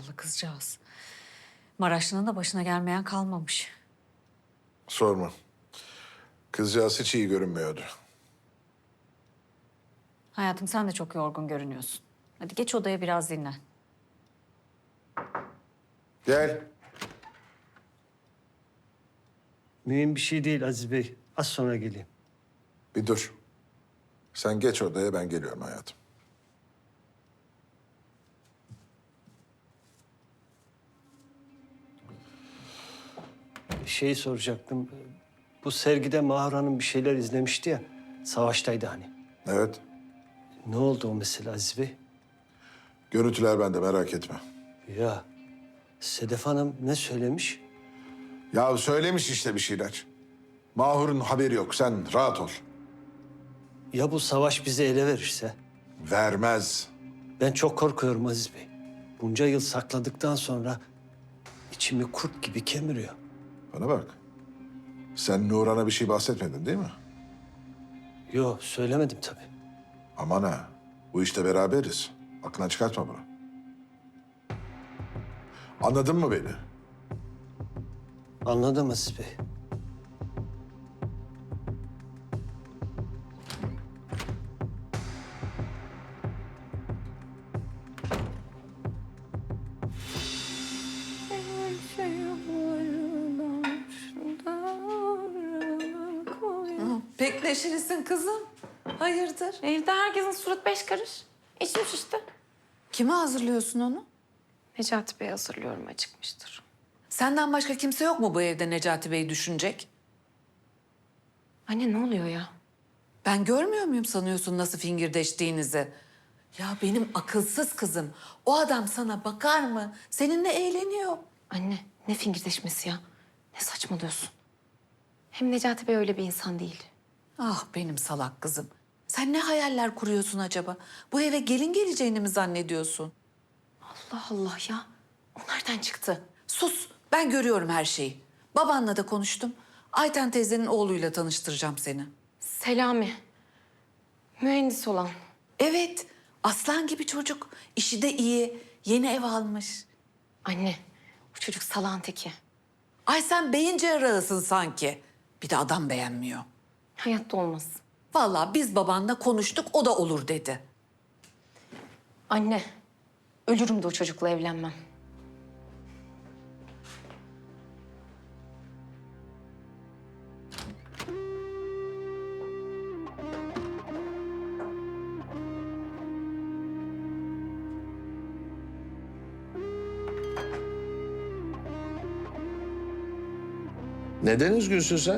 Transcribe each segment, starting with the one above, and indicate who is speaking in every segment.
Speaker 1: Zavallı kızcağız. Maraşlı'nın da başına gelmeyen kalmamış.
Speaker 2: Sorma. Kızcağız hiç iyi görünmüyordu.
Speaker 1: Hayatım sen de çok yorgun görünüyorsun. Hadi geç odaya biraz dinlen.
Speaker 2: Gel.
Speaker 3: Mühim bir şey değil Aziz Bey. Az sonra geleyim.
Speaker 2: Bir dur. Sen geç odaya, ben geliyorum hayatım.
Speaker 3: Şeyi soracaktım. Bu sergide Mahur Hanım bir şeyler izlemişti ya. Savaştaydı hani.
Speaker 2: Evet.
Speaker 3: Ne oldu o mesele Aziz Bey?
Speaker 2: Görüntüler bende, merak etme.
Speaker 3: Ya Sedef Hanım ne söylemiş?
Speaker 2: Ya söylemiş işte bir şeyler. Mahur'un haberi yok. Sen rahat ol.
Speaker 3: Ya bu savaş bizi ele verirse?
Speaker 2: Vermez.
Speaker 3: Ben çok korkuyorum Aziz Bey. Bunca yıl sakladıktan sonra içimi kurt gibi kemiriyor.
Speaker 2: Bana bak. Sen Nuran'a bir şey bahsetmedin değil mi?
Speaker 3: Yok söylemedim tabii.
Speaker 2: Aman ha. Bu işte beraberiz. Aklına çıkartma bunu. Anladın mı beni?
Speaker 3: Anladım Aziz Bey.
Speaker 4: Pek neşelisin kızım. Hayırdır?
Speaker 5: Evde herkesin surat beş karış. İçmiş işte.
Speaker 4: Kime hazırlıyorsun onu?
Speaker 5: Necati Bey hazırlıyorum acıkmıştır.
Speaker 4: Senden başka kimse yok mu bu evde Necati Bey'i düşünecek?
Speaker 5: Anne ne oluyor ya?
Speaker 4: Ben görmüyor muyum sanıyorsun nasıl fingirdeştiğinizi? Ya benim akılsız kızım. O adam sana bakar mı? Seninle eğleniyor.
Speaker 5: Anne ne fingirdeşmesi ya? Ne saçmalıyorsun? Hem Necati Bey öyle bir insan değil.
Speaker 4: Ah benim salak kızım. Sen ne hayaller kuruyorsun acaba? Bu eve gelin geleceğini mi zannediyorsun?
Speaker 5: Allah Allah ya. O nereden çıktı?
Speaker 4: Sus, ben görüyorum her şeyi. Babanla da konuştum. Ayten teyzenin oğluyla tanıştıracağım seni.
Speaker 5: Selami. Mühendis olan.
Speaker 4: Evet, aslan gibi çocuk. İşi de iyi. Yeni ev almış.
Speaker 5: Anne bu çocuk salağın teki.
Speaker 4: Ay sen beyin cerrahısın sanki. Bir de adam beğenmiyor.
Speaker 5: Hayatta olmaz.
Speaker 4: Vallahi biz babanla konuştuk, o da olur dedi.
Speaker 5: Anne ölürüm de o çocukla evlenmem.
Speaker 6: Neden üzgünsün sen?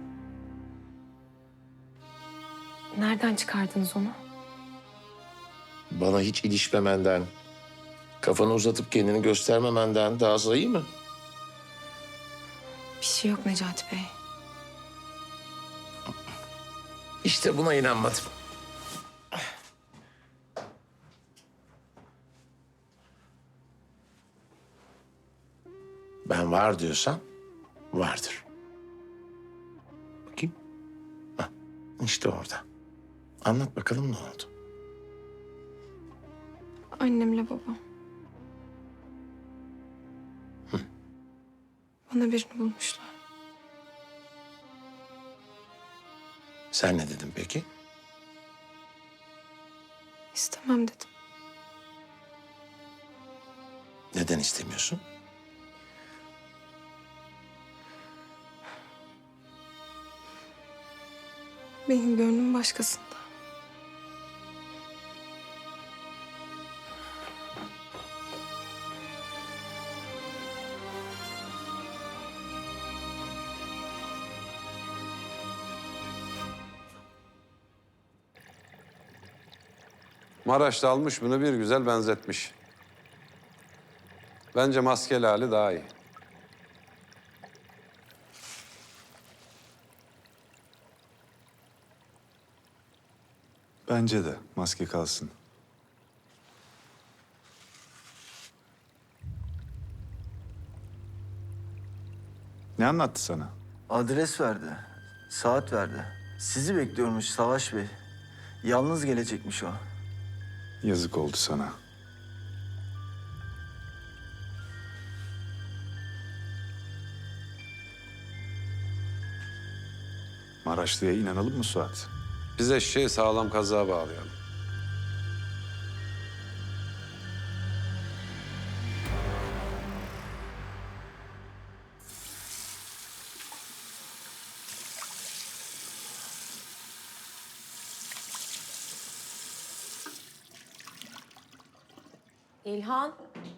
Speaker 5: Nereden çıkardınız onu?
Speaker 6: Bana hiç ilişmemenden, kafanı uzatıp kendini göstermemenden daha sayı mı?
Speaker 5: Bir şey yok Necati Bey.
Speaker 6: İşte buna inanmadım. Ben var diyorsam vardır. Bakayım. Hah, işte orada. Anlat bakalım ne oldu?
Speaker 5: Annemle babam. Bana birini bulmuşlar.
Speaker 6: Sen ne dedin peki?
Speaker 5: İstemem dedim.
Speaker 6: Neden istemiyorsun?
Speaker 5: Benim gönlüm başkasında.
Speaker 7: Maraş'ta almış bunu bir güzel benzetmiş. Bence maskeli hali daha iyi.
Speaker 8: Bence de maske kalsın. Ne anlattı sana?
Speaker 9: Adres verdi, saat verdi. Sizi bekliyormuş Savaş Bey. Yalnız gelecekmiş o.
Speaker 8: Yazık oldu sana. Maraşlı'ya inanalım mı Suat?
Speaker 7: Biz eşeği sağlam kazığa bağlayalım.
Speaker 10: İlhan.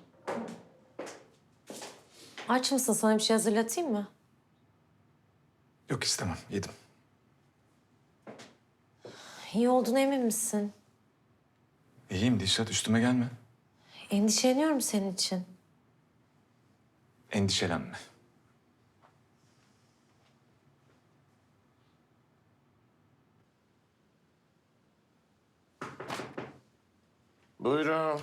Speaker 10: Aç mısın? Sana bir şey hazırlatayım mı?
Speaker 6: Yok istemem, yedim.
Speaker 10: İyi olduğuna emin misin?
Speaker 6: İyiyim Dilşat, üstüme gelme.
Speaker 10: Endişeleniyorum senin için.
Speaker 6: Endişelenme. Buyurun.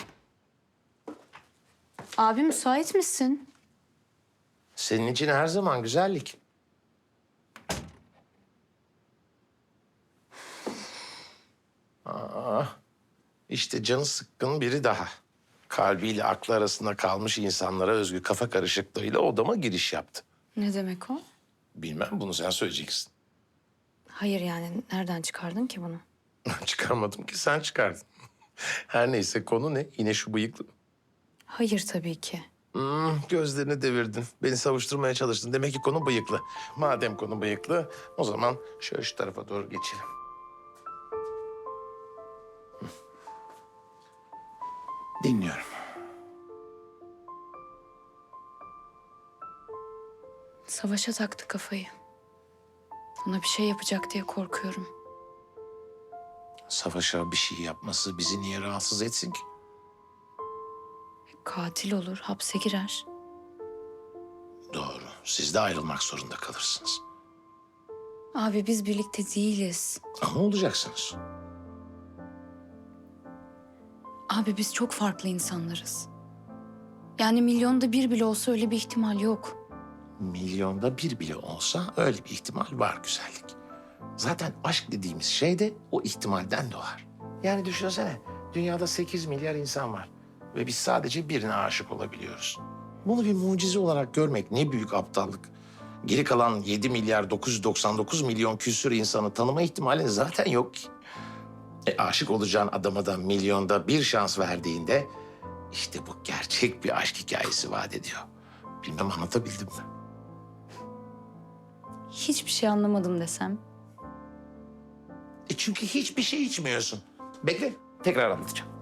Speaker 1: Abi müsait misin?
Speaker 6: Senin için her zaman güzellik. İşte canı sıkkın biri daha. Kalbiyle aklı arasında kalmış insanlara özgü kafa karışıklığıyla odama giriş yaptı.
Speaker 1: Ne demek o?
Speaker 6: Bilmem, bunu sen söyleyeceksin.
Speaker 1: Hayır yani nereden çıkardın ki bunu?
Speaker 6: Çıkarmadım ki, sen çıkardın. Her neyse, konu ne? Yine şu bıyıklı.
Speaker 1: Hayır tabii ki.
Speaker 6: Gözlerini devirdin. Beni savuşturmaya çalıştın. Demek ki konu bıyıklı. Madem konu bıyıklı, o zaman şöyle şu tarafa doğru geçelim. Dinliyorum.
Speaker 1: Savaşa taktı kafayı. Ona bir şey yapacak diye korkuyorum.
Speaker 6: Savaşa bir şey yapması bizi niye rahatsız etsin ki?
Speaker 1: Katil olur, hapse girer.
Speaker 6: Doğru. Siz de ayrılmak zorunda kalırsınız.
Speaker 1: Abi biz birlikte değiliz.
Speaker 6: Ama olacaksınız.
Speaker 1: Abi biz çok farklı insanlarız. Yani milyonda bir bile olsa öyle bir ihtimal yok.
Speaker 6: Milyonda bir bile olsa öyle bir ihtimal var güzellik. Zaten aşk dediğimiz şey de o ihtimalden doğar. Yani düşünsene, dünyada 8 milyar insan var. Ve biz sadece birine aşık olabiliyoruz. Bunu bir mucize olarak görmek ne büyük aptallık. Geri kalan 7 milyar 999 milyon küsur insanı tanıma ihtimalin zaten yok ki. Aşık olacağın adama da milyonda bir şans verdiğinde işte bu gerçek bir aşk hikayesi vaat ediyor. Bilmem anlatabildim mi?
Speaker 1: Hiçbir şey anlamadım desem.
Speaker 6: Çünkü hiçbir şey içmiyorsun. Bekle, tekrar anlatacağım.